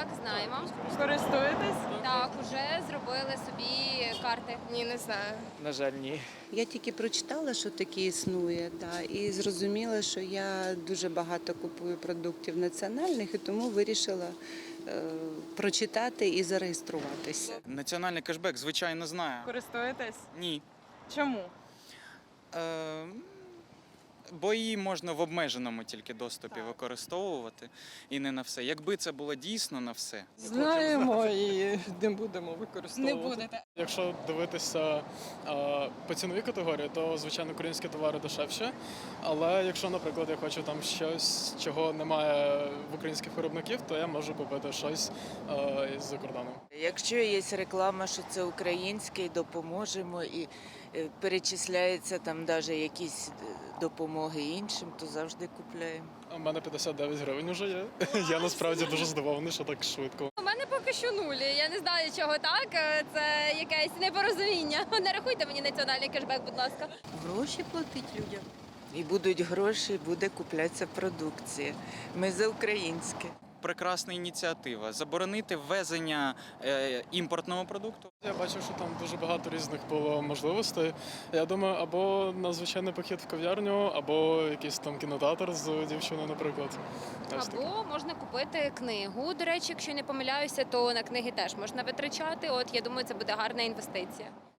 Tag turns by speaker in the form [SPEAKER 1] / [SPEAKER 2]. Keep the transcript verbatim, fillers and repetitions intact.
[SPEAKER 1] Так, знаємо.
[SPEAKER 2] Користуєтесь?
[SPEAKER 1] Так, уже зробили собі карти.
[SPEAKER 2] Ні, не знаю.
[SPEAKER 3] На жаль, ні.
[SPEAKER 4] Я тільки прочитала, що таке існує, да, і зрозуміла, що я дуже багато купую продуктів національних, і тому вирішила е, прочитати і зареєструватися.
[SPEAKER 5] Національний кешбек, звичайно, знаю.
[SPEAKER 2] Користуєтесь?
[SPEAKER 5] Ні.
[SPEAKER 2] Чому?
[SPEAKER 5] Е, бо її можна в обмеженому тільки доступі використовувати і не на все. Якби це було дійсно на все.
[SPEAKER 6] Знаємо і не будемо використовувати.
[SPEAKER 2] Не будете.
[SPEAKER 3] Якщо дивитися а, по ціновій категорії, то звичайно українські товари дешевші. Але якщо, наприклад, я хочу там щось, чого немає в українських виробників, то я можу купити щось а, із-за кордону.
[SPEAKER 7] Якщо є реклама, що це українське, і допоможемо, і е, перечисляється там навіть якісь допомоги іншим, то завжди купляємо.
[SPEAKER 3] У мене п'ятдесят дев'ять гривень вже є. Я насправді дуже здивований, що так швидко.
[SPEAKER 1] У мене поки що нулі. Я не знаю, чого так. Це якесь непорозуміння. Не рахуйте мені національний кешбек, будь ласка.
[SPEAKER 4] Гроші платить людям.
[SPEAKER 7] І будуть гроші, буде куплятися продукція. Ми за українське.
[SPEAKER 5] Прекрасна ініціатива. Заборонити ввезення е, імпортного продукту.
[SPEAKER 3] Я бачив, що там дуже багато різних було можливостей. Я думаю, або на звичайний похід в кав'ярню, або якийсь там кінотеатр з дівчиною, наприклад. Ось таке.
[SPEAKER 1] Або можна купити книгу. До речі, якщо не помиляюся, то на книги теж можна витрачати. От я думаю, це буде гарна інвестиція.